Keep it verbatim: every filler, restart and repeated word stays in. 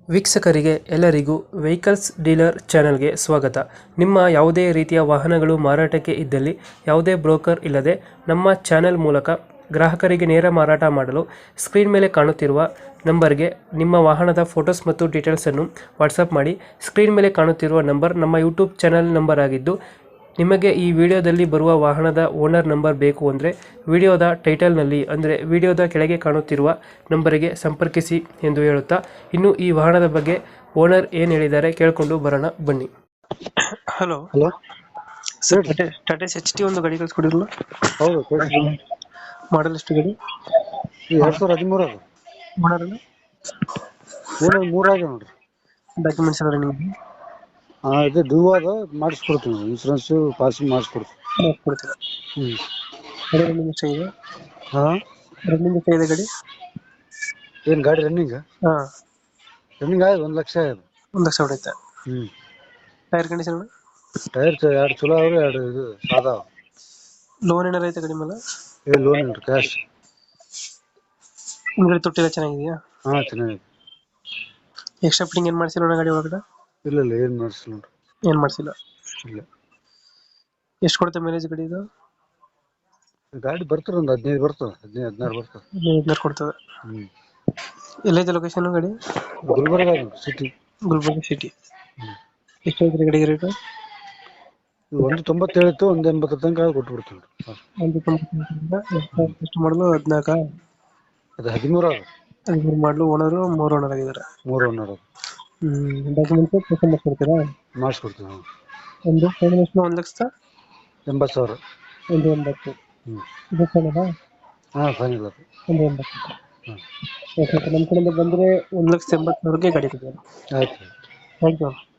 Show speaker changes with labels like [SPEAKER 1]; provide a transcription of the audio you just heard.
[SPEAKER 1] ವೀಕ್ಷಕರಿಗೆ ಎಲ್ಲರಿಗೂ vehicles dealer ಚಾನೆಲ್ಗೆ ಸ್ವಾಗತ. ನಿಮ್ಮ ಯಾವುದೇ ರೀತಿಯ ವಾಹನಗಳು ಮಾರಾಟಕ್ಕೆ ಇದ್ದಲ್ಲಿ ಯಾವುದೇ ಬ್ರೋಕರ್ ಇಲ್ಲದೆ ನಮ್ಮ ಚಾನೆಲ್ ಮೂಲಕ ಗ್ರಾಹಕರಿಗೆ ನೇರ ಮಾರಾಟ ಮಾಡಲು ಸ್ಕ್ರೀನ್ ಮೇಲೆ ಕಾಣುತ್ತಿರುವ ನಂಬರ್ಗೆ ನಿಮ್ಮ ವಾಹನದ ಫೋಟೋಸ್ ಮತ್ತು ಡೀಟೇಲ್ಸನ್ನು ವಾಟ್ಸಪ್ ಮಾಡಿ. ಸ್ಕ್ರೀನ್ ಮೇಲೆ ಕಾಣುತ್ತಿರುವ ನಂಬರ್ ನಮ್ಮ ಯೂಟ್ಯೂಬ್ ಚಾನೆಲ್ ನಂಬರ್ ಆಗಿದ್ದು, ನಿಮಗೆ ಈ ವಿಡಿಯೋದಲ್ಲಿ ಬರುವ ವಾಹನದ ಓನರ್ ನಂಬರ್ ಬೇಕು ಅಂದರೆ ವಿಡಿಯೋದ ಟೈಟಲ್ನಲ್ಲಿ ಅಂದರೆ ವಿಡಿಯೋದ ಕೆಳಗೆ ಕಾಣುತ್ತಿರುವ ನಂಬರಿಗೆ ಸಂಪರ್ಕಿಸಿ ಎಂದು ಹೇಳುತ್ತಾ, ಇನ್ನು ಈ ವಾಹನದ ಬಗ್ಗೆ ಓನರ್ ಏನು ಹೇಳಿದ್ದಾರೆ ಕೇಳಿಕೊಂಡು ಬರೋಣ ಬನ್ನಿ. Hello
[SPEAKER 2] hello
[SPEAKER 1] sir, Tata H T ಒಂದು ಗಾಡಿ ಕಳಿಸ್ಕೊಡಿರಲ್ಲ,
[SPEAKER 2] ಹೌದು ಕೊಡ್ರಿ.
[SPEAKER 1] ಮಾಡಲ್ ಎಷ್ಟು ಗಾಡಿ?
[SPEAKER 2] ಈ ಎರಡ್ ಸಾವಿರದ ಹದಿಮೂರು ಅದು
[SPEAKER 1] ಓನರ್
[SPEAKER 2] ಏನೋ ಮೂರಾಗ ನೋಡ್ರಿ.
[SPEAKER 1] ಡಾಕ್ಯುಮೆಂಟ್ಸ್ ಎಲ್ಲ ನಿಮಗೆ
[SPEAKER 2] ಹಾ ಇದು ಡ್ಯೂ ಅದ, ಮಾಡಿಸ್ಕೊಡ್ತೀವಿ. Insurance passing ಮಾಡಿಸ್ಕೊಡ್ತೀವಿ.
[SPEAKER 1] ಕೊಡ್ತೀರಾ?
[SPEAKER 2] ಹ್ಮ್
[SPEAKER 1] ಗಾಡಿ ರನ್ನಿಂಗ್ ಎಷ್ಟಾಗಿದೆ?
[SPEAKER 2] ಹಾ
[SPEAKER 1] ರನ್ನಿಂಗ್ ಎಷ್ಟಾಗಿದೆ ಗಾಡಿ?
[SPEAKER 2] ಏನ್ ಗಾಡಿ ರನ್ನಿಂಗ್
[SPEAKER 1] ಹಾಂ,
[SPEAKER 2] ರನ್ನಿಂಗ್ ಆಯ್ತು ಒಂದ್ ಲಕ್ಷ ಆಯ್ತು.
[SPEAKER 1] ಒಂದು ಲಕ್ಷ ಹೊಡೆಯುತ್ತೆ.
[SPEAKER 2] ಹ್ಮ್
[SPEAKER 1] ಟೈರ್ ಕಂಡೀಷನ್?
[SPEAKER 2] ಟೈರ್ ಎರಡು ಚಲೋ ಅವ್ರಿ, ಎರಡು ಇದು ಸಾದಾ.
[SPEAKER 1] ಲೋನ್ ಏನಾರ ಐತೆ ಗಾಡಿ ಮೇಲೆ?
[SPEAKER 2] ಏ ಲೋನ್ ಇಲ್ರಿ, ಕ್ಯಾಶ್.
[SPEAKER 1] ಹಿಂದ್ಗಡೆ ತೊಟ್ಟಿಲ್ಲ ಚೆನ್ನಾಗಿದೆಯಾ?
[SPEAKER 2] ಹಾ ಚೆನ್ನಾಗಿದೆ.
[SPEAKER 1] ಎಕ್ಸ್ಟ್ರಾ ಫಿಟ್ಟಿಂಗ್ ಏನು ಮಾಡಿಸಿಲ್ಲ ಗಾಡಿ ಒಳಗಡೆ?
[SPEAKER 2] ಇಲ್ಲ ಇಲ್ಲ ಏನ್ ಮಾಡಿಸಿಲ್ಲ ನೋಡ್ರಿ.
[SPEAKER 1] ಏನು ಮಾಡಿಸಿಲ್ಲ.
[SPEAKER 2] ಇಲ್ಲ,
[SPEAKER 1] ಎಷ್ಟು ಕೊಡುತ್ತೆ ಮೈಲೇಜ್ ಗಾಡಿ ಇದು?
[SPEAKER 2] ಗಾಡಿ ಬರ್ತದ ಒಂದ್ ಹದಿನೈದು ಬರ್ತದ, ಹದಿನೈದು ಹದಿನಾರು ಬರ್ತದ.
[SPEAKER 1] ಹದಿನೈದು ಕೊಡ್ತದೆ.
[SPEAKER 2] ಹ್ಮ್
[SPEAKER 1] ಎಲ್ಲೈತೆ ಲೊಕೇಶನ್ ಗಾಡಿ?
[SPEAKER 2] ಗುಲ್ಬರ್ಗ ಸಿಟಿ.
[SPEAKER 1] ಗುಲ್ಬರ್ಗ ಸಿಟಿ.
[SPEAKER 2] ಹ್ಮ್
[SPEAKER 1] ಎಷ್ಟು ಐತ್ರಿ ಗಾಡಿಗೆ ರೇಟು?
[SPEAKER 2] ಒಂದು ತೊಂಬತ್ತೇಳು ಇತ್ತು, ಒಂದ್ ಎಂಬತ್ತರ ತನಕ ಕೊಟ್ಬಿಡ್ತೀವಿ.
[SPEAKER 1] ಒಂದು ತೊಂಬತ್ತು. ಎಷ್ಟು ಮಾಡಲು? ಹದಿನಾಲ್ಕ
[SPEAKER 2] ಅದು ಹದಿಮೂರು ಅದು.
[SPEAKER 1] ಹದಿಮೂರು ಮಾಡಲು. ಓನರು ಮೂರು ಓನರ್ ಆಗಿದ್ದಾರೆ.
[SPEAKER 2] ಮೂರು ಓನರ್ ಅದು.
[SPEAKER 1] ಹ್ಮ್ ಡಾಕ್ಯುಮೆಂಟ್ಸ್ ಪರ್ಸೆಂಟ್ ಮಾಡಿಸ್ಕೊಡ್ತೀರಾ?
[SPEAKER 2] ಮಾಡಿಸ್ಕೊಡ್ತೀವಿ ನಾವು.
[SPEAKER 1] ಒಂದು ಫೈನಲ್ ಎಷ್ಟು? ಒಂದು ಲಕ್ಷ
[SPEAKER 2] ಎಂಬತ್ತು ಸಾವಿರ.
[SPEAKER 1] ಒಂದು ಎಂಬತ್ತು.
[SPEAKER 2] ಹ್ಮ್
[SPEAKER 1] ಇದು ಫೈನಲ್ಲ?
[SPEAKER 2] ಹಾ ಫೈನಲ್ ಅದು.
[SPEAKER 1] ಒಂದು ಎಂಬತ್ತು.
[SPEAKER 2] ಹ್ಮ್
[SPEAKER 1] ಓಕೆ, ನಮ್ಮ ಕಡೆಯಿಂದ ಬಂದರೆ ಒಂದು ಲಕ್ಷ ಎಂಬತ್ತು ಸಾವಿರಕ್ಕೆ ಗಾಡಿ ಕೊಡ್ತೀರಾ?
[SPEAKER 2] ಆಯ್ತು.
[SPEAKER 1] Thank you.